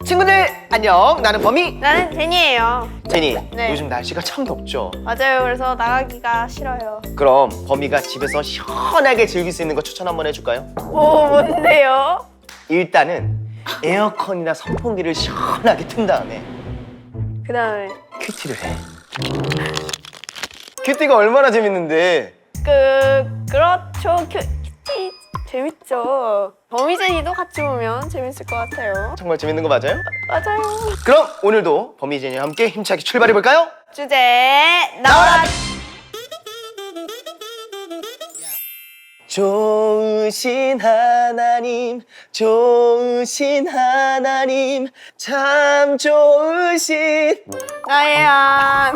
친구들 안녕. 나는 범이. 나는 제니예요. 제니, 네. 요즘 날씨가 참 덥죠? 맞아요. 그래서 나가기가 싫어요. 그럼 범이가 집에서 시원하게 즐길 수 있는 거 추천 한번 해줄까요? 오, 뭔데요? 일단은 에어컨이나 선풍기를 시원하게 튼 다음에 그 다음에 큐티를 해. 큐티가 얼마나 재밌는데. 그렇죠. 큐티 재밌죠. 범이제니도 같이 보면 재밌을 것 같아요. 정말 재밌는 거 맞아요? 맞아요. 그럼 오늘도 범이 제니와 함께 힘차게 출발해볼까요? 주제 나와라. 좋으신 하나님, 좋으신 하나님, 참 좋으신. 나의 안.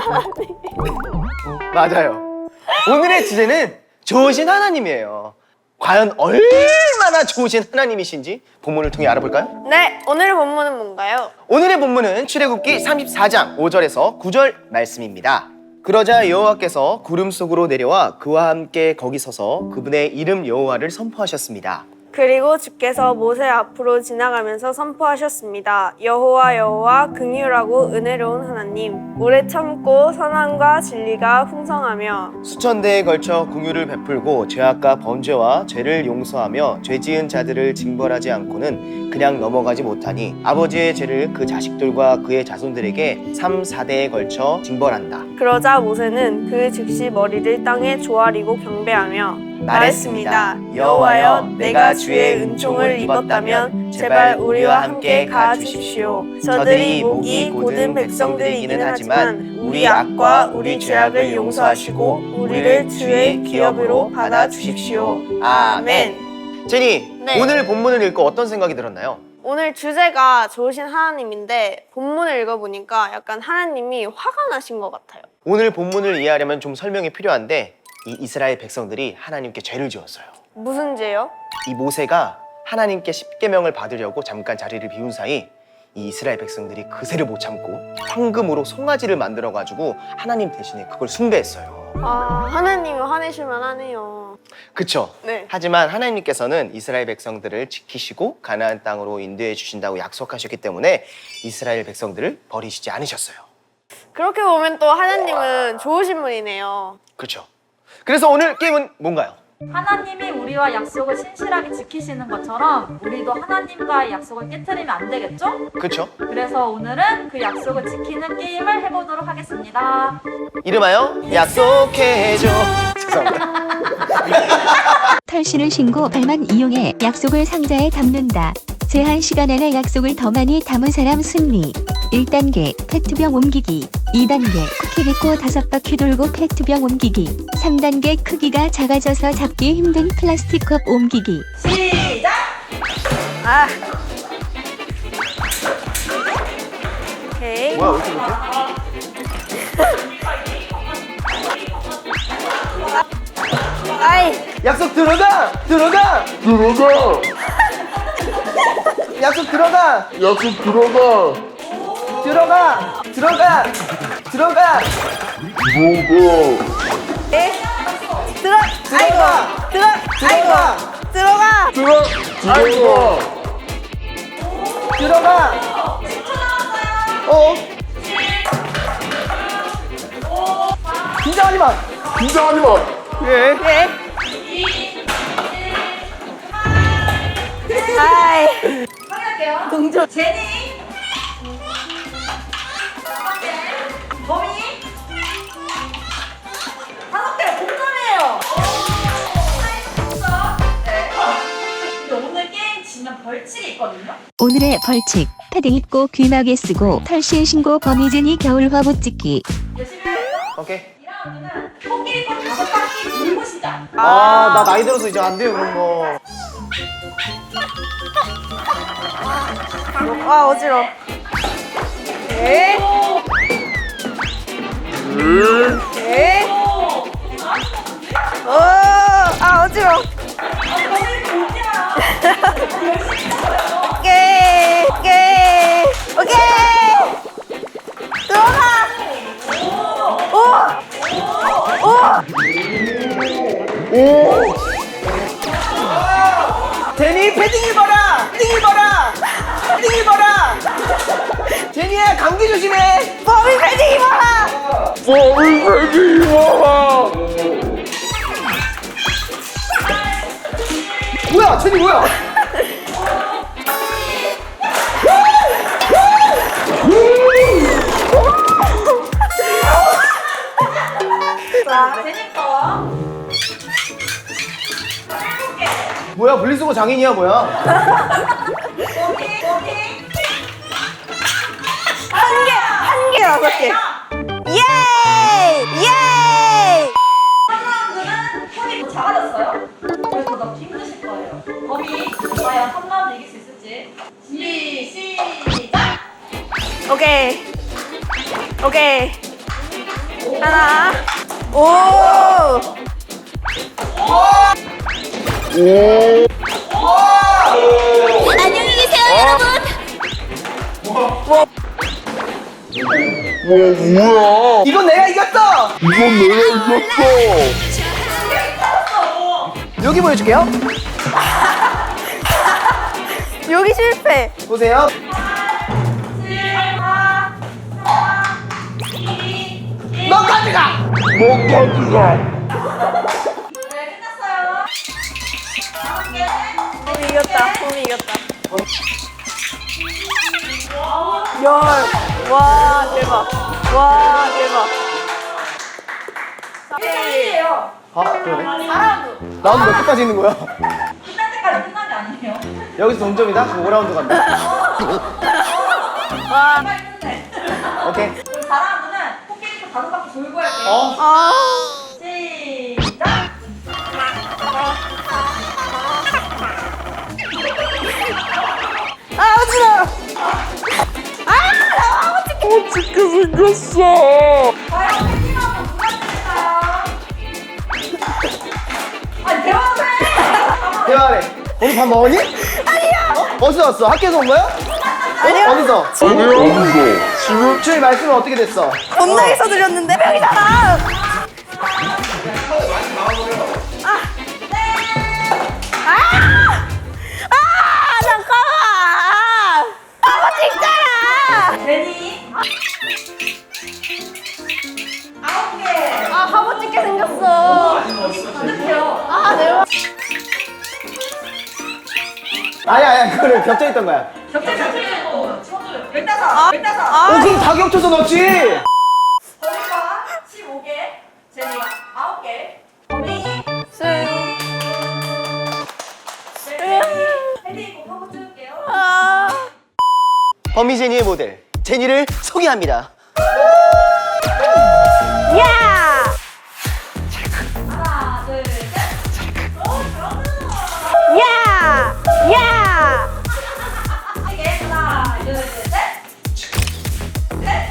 맞아요. 오늘의 주제는 좋으신 하나님이에요. 과연 얼마나 좋으신 하나님이신지 본문을 통해 알아볼까요? 네, 오늘의 본문은 뭔가요? 오늘의 본문은 출애굽기 34장 5절에서 9절 말씀입니다. 그러자 여호와께서 구름 속으로 내려와 그와 함께 거기 서서 그분의 이름 여호와를 선포하셨습니다. 그리고 주께서 모세 앞으로 지나가면서 선포하셨습니다. 여호와 여호와 긍휼하고 은혜로운 하나님, 오래 참고 선함과 진리가 풍성하며 수천 대에 걸쳐 긍휼을 베풀고 죄악과 범죄와 죄를 용서하며 죄지은 자들을 징벌하지 않고는 그냥 넘어가지 못하니 아버지의 죄를 그 자식들과 그의 자손들에게 3, 4대에 걸쳐 징벌한다. 그러자 모세는 그 즉시 머리를 땅에 조아리고 경배하며 말했습니다. 여호와여, 내가 주의 은총을 입었다면 제발 우리와 함께 가아 주십시오. 저들이 목이 곧은 백성들이기는 하지만 우리 악과 우리 죄악을 용서하시고 우리를 주의 기업으로 받아 주십시오. 아멘. 제니, 네. 오늘 본문을 읽고 어떤 생각이 들었나요? 오늘 주제가 좋으신 하나님인데 본문을 읽어보니까 약간 하나님이 화가 나신 것 같아요. 오늘 본문을 이해하려면 좀 설명이 필요한데 이 이스라엘 백성들이 하나님께 죄를 지었어요. 무슨 죄요? 이 모세가 하나님께 십계명을 받으려고 잠깐 자리를 비운 사이 이 이스라엘 백성들이 그새를 못 참고 황금으로 송아지를 만들어가지고 하나님 대신에 그걸 숭배했어요. 아, 하나님이 화내실만 하네요. 그쵸? 네. 하지만 하나님께서는 이스라엘 백성들을 지키시고 가나안 땅으로 인도해 주신다고 약속하셨기 때문에 이스라엘 백성들을 버리시지 않으셨어요. 그렇게 보면 또 하나님은 좋으신 분이네요. 그렇죠? 그래서 오늘 게임은 뭔가요? 하나님이 우리와 약속을 신실하게 지키시는 것처럼 우리도 하나님과의 약속을 깨트리면 안 되겠죠? 그렇죠? 그래서 오늘은 그 약속을 지키는 게임을 해보도록 하겠습니다. 이름하여 약속해줘. 죄송합니다. 털실을 신고 발만 이용해 약속을 상자에 담는다. 제한 시간 안에 약속을 더 많이 담은 사람 승리. 1단계 페트병 옮기기. 2단계 쿠키 뱉고 5바퀴 돌고 페트병 옮기기. 3단계 크기가 작아져서 잡기 힘든 플라스틱 컵 옮기기. 시작! 아. 오케이. 뭐야, 왜 이렇게 못해? 아이. 약속 들어가! 들어가! 들어가! 약속 들어가! 약속 들어가! 들어가! 들어가! 들어가! 들어가! 에? 들어. 들어가! 들어. 들어가! 들어가. 들어가! 들어가! 어? 긴장하지 마! 긴장하지 마! 예. 예. 아이. 확인할게요. 동전. 제니! 범이! 5개 동점이에요! 네. 근데 오늘 게임 지면 벌칙이 있거든요? 오늘의 벌칙. 패딩 입고 귀마개 쓰고 털실 신고 범이제니 겨울 화보 찍기. 열심히 해요. 오케이. 2라운드는 코끼리 꽃 5바퀴 돌고 시작! 아, 나 나이 들어서 이제 안 돼요, 그런 거. 아, 어지러워. 에? 에? 아, 어지러워. 오케이, 오케이, 오케이. 들어가. 제니 패딩 입어라! 패딩 입어라! 패딩 패딩 입어라. 제니야 감기 조심해. 범인 패딩 입어라. 범인패기 입어라. 뭐야 제니 뭐야? 자, 제니 거. 뭐야 분리수거 장인이야 뭐야? 한 개 6개. 예이! 예이! 3라운드는 폰이 더 작아졌어요. 그래서 더 넣기 힘드실 거예요. 범이 과연 3라운드 이길 수 있을지. 시작! 오케이. 오케이. 하나. 오! 안녕히 계세요, 여러분. 뭐야? 이건 내가 이겼어. 이건 내가 이겼어. 여기 보여줄게요. 여기 실패. 보세요. 7, 4, 3, 2, 1. 너까지 가. 너까지가. 네, 끝났어요. 다음 개. 봄이 이겼다. 봄이 이겼다. 열. 와, 대박. 와, 대박. 끝이에요. 아 그러네. 4라운드. 라운드 몇 개까지 있는 거야? 끝날 때까지 끝난 게 아니에요. 여기서 동점이다? 그럼 5라운드 간다. 와. 빨리 끝내. 오케이. 그럼 4라운드는 코끼리코 5바퀴 돌고 할게요. 어? 아. 시작! 아, 어지러워. 어떻게 생겼어? 과연 팬티만큼 누가 됐을까요? 아니, 대화를 해! 대화해. 오늘 밥 먹었니? 아니야. 어? 어디서 왔어? 학교에서 온 거야? 아니요. 어디서? 어디서? 지금 주일 말씀은 어떻게 됐어? 겁나게 써드렸는데 명이잖아. 잠깐만. 아버지 있잖아. 제니 9개 아, 바보 찍게 생겼어. 가득해요. 아, 대박. 아니야 그거는 겹쳐 있던 거야. 겹쳐서 틀리고 쳐줘요. 15! 아. 15! 어 그럼 다 겹쳐서 넣었지. 범이가 15개, 제니가 9개. 범이, 승. 제니, 헤딩 꼭 한번 찍을게요. 아. 범이 제니의 모델 제니를 소개합니다. 야! 하나, 둘, 셋. 오, 잘한다. 야! 야! 이게 하나, 둘, 셋. 셋.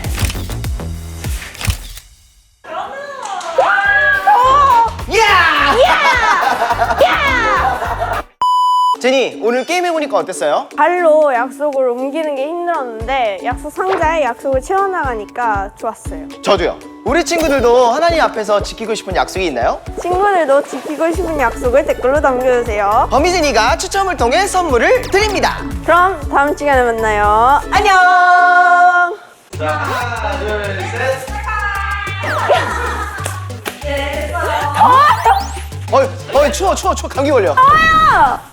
잘한다. 제니 오늘 게임 해보니까 어땠어요? 발로 약속을 옮기는 게 힘들었는데 약속 상자에 약속을 채워나가니까 좋았어요. 저도요. 우리 친구들도 하나님 앞에서 지키고 싶은 약속이 있나요? 친구들도 지키고 싶은 약속을 댓글로 남겨주세요. 범이 제니가 추첨을 통해 선물을 드립니다. 그럼 다음 시간에 만나요. 안녕! 하나 둘 셋. 네, 됐어요. 어이 추워 감기 걸려. 아!